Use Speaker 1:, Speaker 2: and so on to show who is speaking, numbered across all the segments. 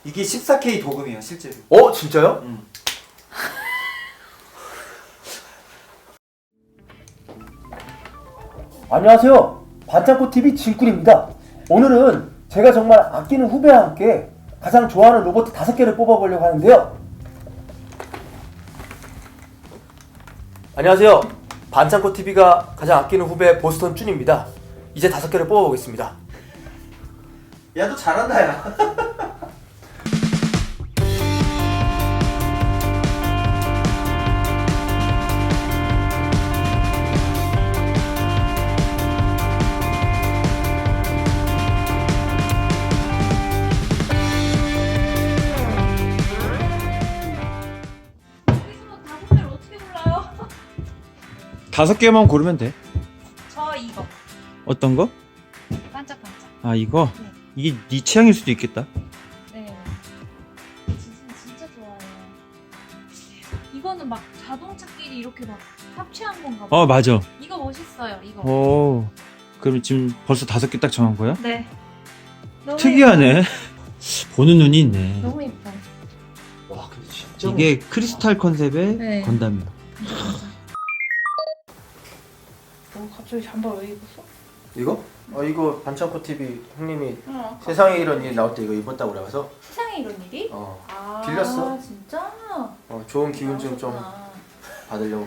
Speaker 1: 이게 14K 도금이에요 실제로.
Speaker 2: 진짜요? 안녕하세요. 반창고TV 진꿀입니다. 오늘은 제가 정말 아끼는 후배와 함께 가장 좋아하는 로봇 5개를 뽑아보려고 하는데요. 안녕하세요. 반창고TV가 가장 아끼는 후배 보스턴 준입니다. 이제 5개를 뽑아보겠습니다.
Speaker 1: 야 너 잘한다 야.
Speaker 3: 어떻게 골라요?
Speaker 4: 5개만 고르면 돼.
Speaker 3: 저 이거
Speaker 4: 어떤 거?
Speaker 3: 반짝반짝.
Speaker 4: 아 이거?
Speaker 3: 네.
Speaker 4: 이게 네 취향일 수도 있겠다.
Speaker 3: 네. 진짜 좋아해요. 이거는 막 자동차끼리 이렇게 막 합체한 건가 봐.
Speaker 4: 맞아.
Speaker 3: 이거 멋있어요. 이거.
Speaker 4: 그럼 지금 벌써 5개 딱 정한 거야?
Speaker 3: 네. 너무
Speaker 4: 특이하네. 보는 눈이 있네.
Speaker 3: 예뻐요. 너무 예뻐.
Speaker 2: 와, 근데 진짜
Speaker 4: 이게 크리스탈 컨셉의
Speaker 3: 네.
Speaker 4: 건담이야.
Speaker 3: 갑자기 잠바 왜 입었어?
Speaker 2: 이거? 이거 반창고TV 형님이
Speaker 3: 어.
Speaker 2: 세상에 이런 일이 나올 때 이거 입었다고 그래서
Speaker 3: 세상에 이런 일이? 아,
Speaker 2: 빌렸어.
Speaker 3: 진짜?
Speaker 2: 좋은 기운 좀
Speaker 3: 그렇구나.
Speaker 2: 받으려고.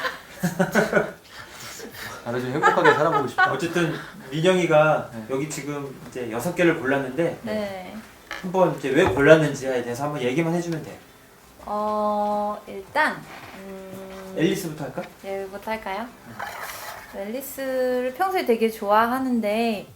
Speaker 2: 나를 좀 행복하게 살아보고 싶어.
Speaker 1: 어쨌든 민영이가
Speaker 2: 네.
Speaker 1: 여기 지금 이제 6개를 골랐는데
Speaker 3: 네.
Speaker 1: 한번 이제 왜 골랐는지에 대해서 한번 얘기만 해주면 돼.
Speaker 3: 일단
Speaker 1: 앨리스부터 할까?
Speaker 3: 얘부터 할까요? 앨리스를 평소에 되게 좋아하는데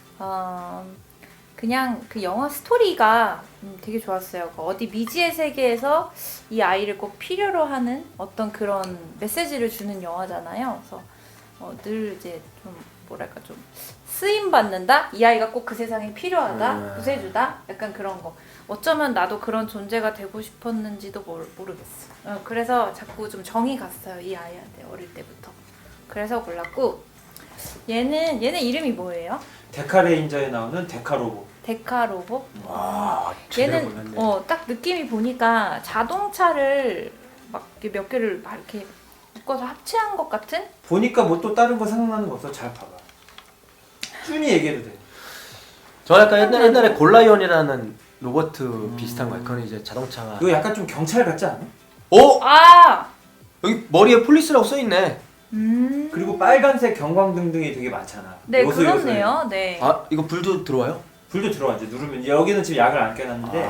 Speaker 3: 그냥 그 영화 스토리가 되게 좋았어요. 어디 미지의 세계에서 이 아이를 꼭 필요로 하는 어떤 그런 메시지를 주는 영화잖아요. 그래서 늘 이제 좀 뭐랄까 좀 쓰임 받는다. 이 아이가 꼭 그 세상에 필요하다. 구세주다. 약간 그런 거. 어쩌면 나도 그런 존재가 되고 싶었는지도 모르겠어. 그래서 자꾸 좀 정이 갔어요. 이 아이한테 어릴 때부터. 그래서 골랐고 얘는 이름이 뭐예요?
Speaker 1: 데카레인저에 나오는 데카로보.
Speaker 3: 데카로보?
Speaker 2: 와, 제대로
Speaker 3: 얘는
Speaker 2: 골랐네.
Speaker 3: 딱 느낌이 보니까 자동차를 막 이렇게 몇 개를 막 이렇게 묶어서 합체한 것 같은?
Speaker 1: 보니까 뭐 또 다른 거 생각나는 거 없어? 잘 봐봐. 준이 얘기해도 돼.
Speaker 2: 저 약간 옛날에 골라이온이라는 로봇 비슷한 거예요. 그건 이제 자동차가.
Speaker 1: 이거 약간 좀 경찰 같지 않아?
Speaker 3: 아!
Speaker 2: 여기 머리에 폴리스라고 써있네.
Speaker 1: 그리고 빨간색 경광등등이 되게 많잖아.
Speaker 3: 네,
Speaker 1: 요소,
Speaker 3: 그렇네요. 네.
Speaker 2: 이거 불도 들어와요?
Speaker 1: 불도 들어와 이제 누르면 여기는 지금 약을 안 껴놨는데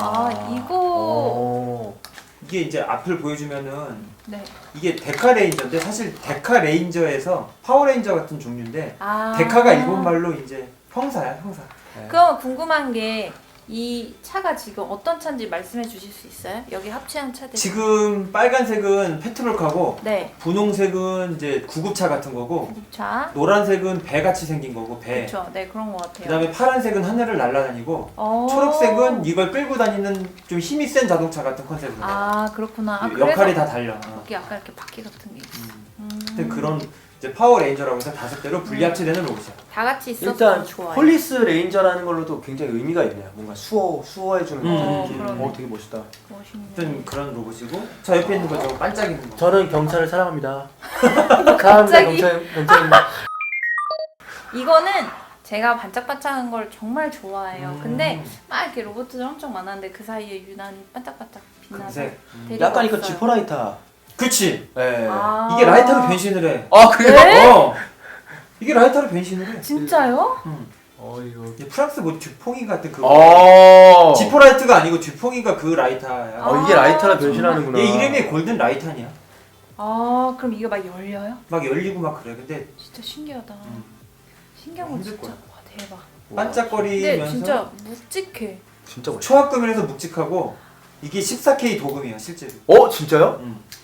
Speaker 3: 이거
Speaker 1: 이게 이제 앞을 보여주면은
Speaker 3: 네.
Speaker 1: 이게 데카레인저인데 사실 데카레인저에서 파워레인저 같은 종류인데
Speaker 3: 아.
Speaker 1: 데카가 일본 말로 이제 형사야 형사.
Speaker 3: 그럼 궁금한 게 이 차가 지금 어떤 차인지 말씀해 주실 수 있어요? 여기 합체한 차들.
Speaker 1: 지금 빨간색은 페트롤카고
Speaker 3: 네.
Speaker 1: 분홍색은 이제 구급차 같은 거고
Speaker 3: 차.
Speaker 1: 노란색은 배 같이 생긴 거고 배.
Speaker 3: 그렇죠. 네, 그런 것 같아요.
Speaker 1: 그다음에 파란색은 하늘을 날아다니고 초록색은 이걸 끌고 다니는 좀 힘이 센 자동차 같은 컨셉으로.
Speaker 3: 그렇구나.
Speaker 1: 역할이 다 달려.
Speaker 3: 여기 약간 이렇게 바퀴 같은 게 있어.
Speaker 1: 근데 그런 이제 파워레인저라고 해서 5대로 분리합체되는 로봇이야.
Speaker 3: 다 같이 있어서
Speaker 2: 일단
Speaker 3: 좋아요.
Speaker 2: 폴리스 레인저라는 걸로도 굉장히 의미가 있네요. 뭔가 수호해주는 느낌.
Speaker 3: 그러네.
Speaker 2: 되게 멋있다.
Speaker 3: 멋있네.
Speaker 1: 어떤 그런 로봇이고 저 옆에 있는 거 저거 반짝이는 거.
Speaker 2: 저는 경찰을 사랑합니다. 사랑합니다. 경찰입니다.
Speaker 3: 이거는 제가 반짝반짝한 걸 정말 좋아해요. 근데 막 이렇게 로봇들 엄청 많았는데 그 사이에 유난히 반짝반짝 빛나서
Speaker 1: 금색.
Speaker 3: 데리고
Speaker 2: 약간 이거
Speaker 3: 왔어요.
Speaker 2: 지퍼라이터.
Speaker 1: 그치.
Speaker 2: 네.
Speaker 1: 이게 라이터로 변신을 해.
Speaker 2: 그래요?
Speaker 3: 네?
Speaker 1: 이게 라이터로 변신을 해.
Speaker 3: 진짜요?
Speaker 2: 이거.
Speaker 1: 이게 프랑스 뭐 듀퐁이 같은 그 지포라이트가 아니고 듀퐁이가 그 라이터야.
Speaker 2: 이게 라이터라 변신하는구나.
Speaker 1: 얘 이름이 골든 라이탄이야.
Speaker 3: 그럼 이게 막 열려요?
Speaker 1: 막 열리고 막 그래. 근데
Speaker 3: 진짜 신기하다. 신기한 건
Speaker 1: 힘들
Speaker 3: 진짜
Speaker 1: 거야.
Speaker 3: 와 대박. 근데
Speaker 1: 반짝거리면서
Speaker 3: 진짜 묵직해.
Speaker 2: 진짜 멋있다.
Speaker 1: 초합금이라서 묵직하고 이게 14K 도금이야 실제로.
Speaker 2: 진짜요?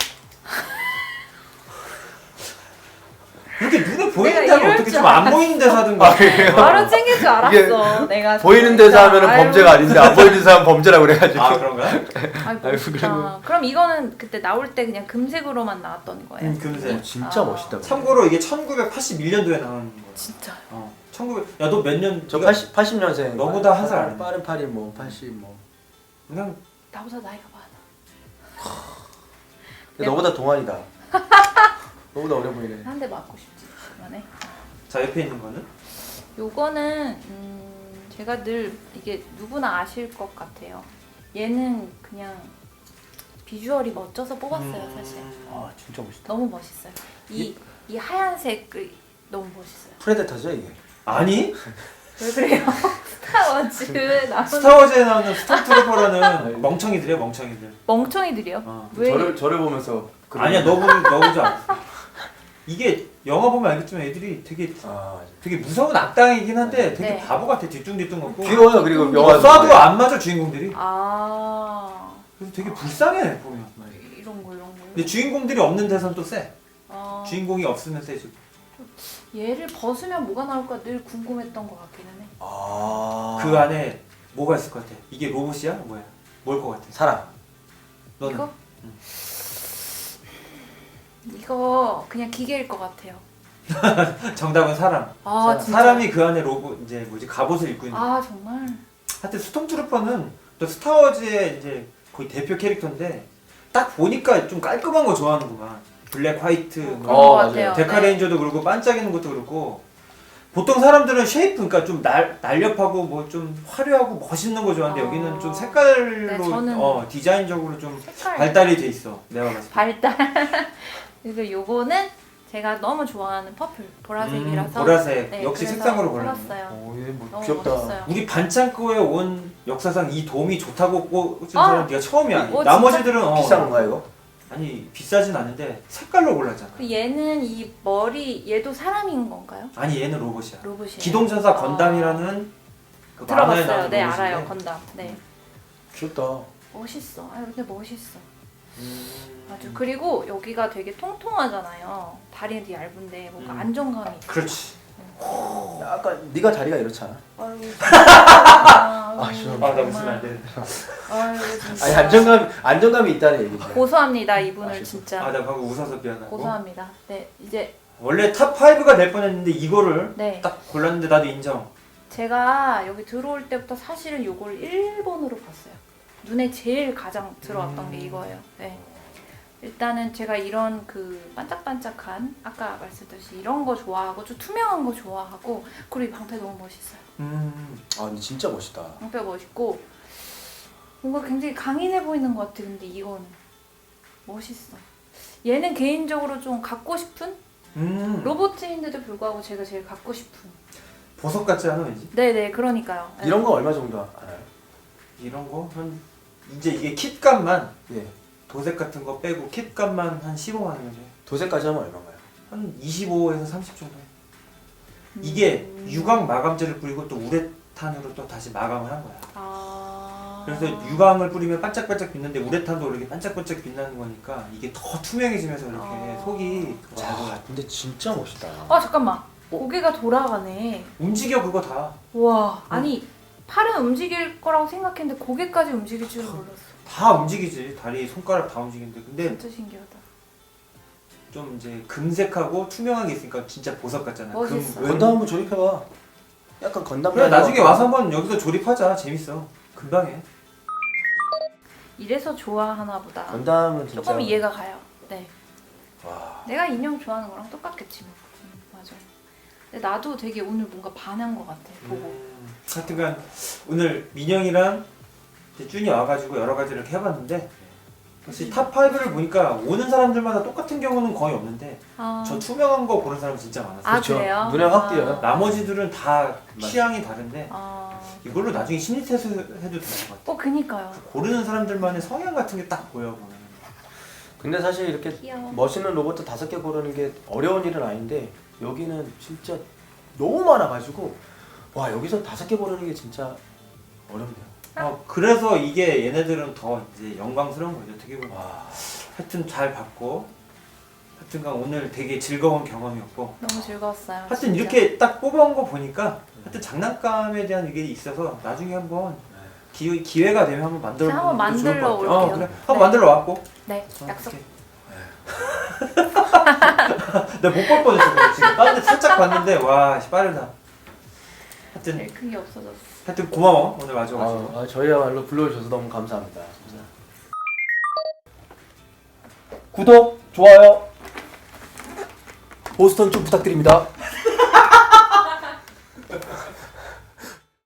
Speaker 1: 이렇게 눈에 보이는
Speaker 3: 내가
Speaker 1: 데는
Speaker 3: 이럴
Speaker 1: 어떻게
Speaker 3: 줄
Speaker 1: 좀 안 보이는 데서 하든가.
Speaker 3: 바로 챙길 줄 알았어. 내가
Speaker 2: 보이는
Speaker 3: 진짜.
Speaker 2: 데서 하면은
Speaker 3: 아유,
Speaker 2: 범죄가 아닌데 안 보이는 데서 하면 범죄라고 그래가지고.
Speaker 1: 그런가?
Speaker 3: 아이고,
Speaker 2: 아이고,
Speaker 3: 진짜. 그럼 이거는 그때 나올 때 그냥 금색으로만 나왔던 거예요?
Speaker 1: 금색.
Speaker 2: 진짜 멋있다.
Speaker 1: 참고로 이게 1981년도에 나온 거야.
Speaker 3: 진짜.
Speaker 1: 1900. 야 너 몇 년?
Speaker 2: 저 80년생.
Speaker 1: 너보다 한살 아래.
Speaker 2: 빠른 82 뭐 80 뭐.
Speaker 1: 그냥
Speaker 3: 나보다 나이가 많아.
Speaker 2: 근데 너보다 동안이다. 너보다 어려 보이네.
Speaker 3: 한 대 맞고 싶지 이번에.
Speaker 1: 자 옆에 있는 거는
Speaker 3: 요거는 제가 늘 이게 누구나 아실 것 같아요. 얘는 그냥 비주얼이 멋져서 뽑았어요 사실.
Speaker 2: 아 진짜 멋있다.
Speaker 3: 너무 멋있어요. 이 하얀색이 너무 멋있어요.
Speaker 2: 프레데터죠 이게?
Speaker 1: 아니
Speaker 3: 왜 그래요? 스타워즈 나오는
Speaker 1: 스타워즈에 나오는 스톰트루퍼라는 멍청이들이야 멍청이들.
Speaker 3: 멍청이들이요?
Speaker 1: 어.
Speaker 3: 왜?
Speaker 2: 저를 보면서
Speaker 1: 아니야 너 보지 않았어. 이게 영화 보면 알겠지만 애들이 되게 무서운 악당이긴 한데 되게
Speaker 3: 네.
Speaker 1: 바보 같아 뒤뚱뒤뚱 같고.
Speaker 2: 귀여워요. 그리고
Speaker 3: 또
Speaker 2: 영화
Speaker 1: 쏴도 안 맞아 주인공들이.
Speaker 3: 아
Speaker 1: 그래서 되게 불쌍해 보면.
Speaker 3: 이런 거.
Speaker 1: 근데 주인공들이 없는 데선 또 세.
Speaker 3: 아,
Speaker 1: 주인공이 없으면 세지.
Speaker 3: 얘를 벗으면 뭐가 나올까 늘 궁금했던 것 같기는 해.
Speaker 1: 그 안에 뭐가 있을 것 같아? 이게 로봇이야? 뭐야? 뭘 것 같아?
Speaker 2: 사람.
Speaker 1: 너는?
Speaker 3: 이거? 이거 그냥 기계일 것 같아요.
Speaker 1: 정답은 사람.
Speaker 3: 아 진짜.
Speaker 1: 사람이 그 안에 로봇 이제 뭐지 갑옷을 입고 있는.
Speaker 3: 아 정말.
Speaker 1: 하여튼 스톰트루퍼는 또 스타워즈의 이제 거의 대표 캐릭터인데 딱 보니까 좀 깔끔한 거 좋아하는구만. 블랙 화이트,
Speaker 3: 그런
Speaker 1: 뭐
Speaker 3: 것
Speaker 2: 맞아요.
Speaker 3: 같아요.
Speaker 1: 데카레인저도 그렇고 반짝이는 것도 그렇고. 보통 사람들은 쉐이프, 그러니까 좀 날렵하고 뭐 좀 화려하고 멋있는 거 좋아하는데 여기는 좀 색깔로
Speaker 3: 네, 저는
Speaker 1: 디자인적으로 좀
Speaker 3: 색깔
Speaker 1: 발달이 돼 있어. 내가 봤을 때.
Speaker 3: 발달. 그리고 요거는 제가 너무 좋아하는 퍼플 보라색이라서.
Speaker 1: 보라색.
Speaker 3: 네,
Speaker 1: 역시
Speaker 3: 그래서
Speaker 1: 색상으로 골랐네.
Speaker 3: 골랐어요.
Speaker 2: 오, 얘 뭐
Speaker 3: 너무
Speaker 2: 귀엽다.
Speaker 3: 멋있어요.
Speaker 1: 우리 반창고에 온 역사상 이 돔이 좋다고 꽂은
Speaker 3: 아!
Speaker 1: 사람 네가 처음이야.
Speaker 3: 어,
Speaker 1: 나머지들은
Speaker 2: 비싼 건가 이거?
Speaker 1: 아니 비싸진 않은데 색깔로 골랐잖아.
Speaker 3: 그 얘는 이 머리 얘도 사람인 건가요?
Speaker 1: 아니 얘는 로봇이야.
Speaker 3: 로봇이에요.
Speaker 1: 기동전사 건담이라는 그 만화에
Speaker 3: 들어봤어요.
Speaker 1: 나오는
Speaker 3: 네
Speaker 1: 로봇인데
Speaker 3: 알아요 건담. 네
Speaker 2: 귀엽다.
Speaker 3: 멋있어. 아 근데 멋있어.
Speaker 1: 음.
Speaker 3: 아주 그리고 여기가 되게 통통하잖아요. 다리는 되게 얇은데 뭔가 안정감이 있어.
Speaker 1: 그렇지.
Speaker 2: 약간 네가 다리가 이렇잖아.
Speaker 3: 아유
Speaker 2: 아,
Speaker 3: 진짜.
Speaker 1: 나 웃으면 안 되는데.
Speaker 3: 아유 진짜.
Speaker 2: 아니 안정감이 있다는 얘기지.
Speaker 3: 고소합니다 이분을
Speaker 2: 아쉽다.
Speaker 3: 진짜.
Speaker 1: 나 방금 웃어서 미안하고.
Speaker 3: 고소합니다. 네 이제
Speaker 1: 원래 탑 5가 될 뻔했는데 이거를
Speaker 3: 네
Speaker 1: 딱 골랐는데 나도 인정.
Speaker 3: 제가 여기 들어올 때부터 사실은 요걸 1번으로 봤어요. 눈에 제일 가장 들어왔던 게 이거예요. 네. 일단은 제가 이런 그 반짝반짝한 아까 말씀드렸듯이 이런 거 좋아하고 좀 투명한 거 좋아하고 그리고 이 방패 너무 멋있어요.
Speaker 2: 아 근데 진짜 멋있다.
Speaker 3: 방패 멋있고 뭔가 굉장히 강인해 보이는 것 같아. 근데 이건 멋있어. 얘는 개인적으로 좀 갖고 싶은 로봇인데도 불구하고 제가 제일 갖고 싶은.
Speaker 1: 보석 같지 않아 왠지?
Speaker 3: 네네 그러니까요. 네.
Speaker 2: 이런 거 얼마 정도 알아요?
Speaker 1: 이런 거 한 이제 이게 kit값만
Speaker 2: 예.
Speaker 1: 도색 같은 거 빼고 kit값만 한 15만 원이죠.
Speaker 2: 도색까지 하면 얼마인가요?
Speaker 1: 한 25에서 30 정도 해. 이게 유광 마감제를 뿌리고 또 우레탄으로 또 다시 마감을 한 거야.
Speaker 3: 아.
Speaker 1: 그래서 유광을 뿌리면 반짝반짝 빛나는데 우레탄도 이렇게 반짝반짝 빛나는 거니까 이게 더 투명해지면서 이렇게
Speaker 3: 아.
Speaker 1: 속이 잘
Speaker 2: 와
Speaker 1: 보여.
Speaker 2: 근데 진짜 멋있다.
Speaker 3: 아 잠깐만. 고개가 돌아가네.
Speaker 1: 움직여 그거 다.
Speaker 3: 와 아니 팔은 움직일 거라고 생각했는데 고개까지 움직일 줄은 몰랐어.
Speaker 1: 다 움직이지. 다리, 손가락 다 움직이는데 근데
Speaker 3: 진짜 신기하다.
Speaker 1: 좀 이제 금색하고 투명한 게 있으니까 진짜 보석 같잖아.
Speaker 3: 멋있어.
Speaker 2: 건담 한번 조립해봐. 약간 건담.
Speaker 1: 그래 나중에 와서 한번 여기서 조립하자. 재밌어. 금방 해.
Speaker 3: 이래서 좋아하나 보다.
Speaker 2: 건담은 진짜.
Speaker 3: 조금 이해가 가요. 네.
Speaker 2: 와.
Speaker 3: 내가 인형 좋아하는 거랑 똑같겠지 뭐. 맞아. 근데 나도 되게 오늘 뭔가 반한 것 같아. 보고.
Speaker 1: 하여튼간 오늘 민영이랑 이제 준이 와가지고 여러 가지를 이렇게 해봤는데 역시 탑 5를 보니까 오는 사람들마다 똑같은 경우는 거의 없는데
Speaker 3: 아,
Speaker 1: 저 투명한 거 보는 사람 진짜 많았어요.
Speaker 3: 아
Speaker 2: 그렇죠.
Speaker 3: 그래요?
Speaker 2: 눈에 확 띄어요.
Speaker 1: 나머지들은 다 취향이 다른데
Speaker 3: 아.
Speaker 1: 이걸로 나중에 심리 테스트 해도 될 것 같아.
Speaker 3: 그니까요.
Speaker 1: 고르는 사람들만의 성향 같은 게 딱 보여 보면.
Speaker 2: 근데 사실 이렇게
Speaker 3: 귀여워.
Speaker 2: 멋있는 로봇 5개 고르는 게 어려운 일은 아닌데 여기는 진짜 너무 많아가지고 와 여기서 5개 고르는 게 진짜 어렵네요.
Speaker 1: 그래서 이게 얘네들은 더 이제 영광스러운 거죠. 어떻게 보면.
Speaker 2: 와.
Speaker 1: 하여튼 잘 봤고 하여튼간 오늘 되게 즐거운 경험이었고
Speaker 3: 너무 즐거웠어요.
Speaker 1: 하여튼
Speaker 3: 진짜.
Speaker 1: 이렇게 딱 뽑아온 거 보니까 하여튼 장난감에 대한 이게 있어서 나중에 한번 기회가 되면 한번 만들어
Speaker 3: 제가 한번
Speaker 1: 보는 것도 좋을 것
Speaker 3: 만들어
Speaker 1: 같아요.
Speaker 3: 올게요.
Speaker 1: 그래. 한번
Speaker 3: 네.
Speaker 1: 만들어 왔고.
Speaker 3: 네 약속.
Speaker 1: 내가 못 볼 뻔했어 지금. 다른 데 살짝 봤는데 와 씨, 빠르다. 하여튼
Speaker 3: 제일 큰 게 없어졌어.
Speaker 1: 하여튼 고마워 오늘 와줘가지고.
Speaker 2: 저희야말로 불러주셔서 너무 감사합니다. 진짜. 구독, 좋아요, 보스턴 좀 부탁드립니다.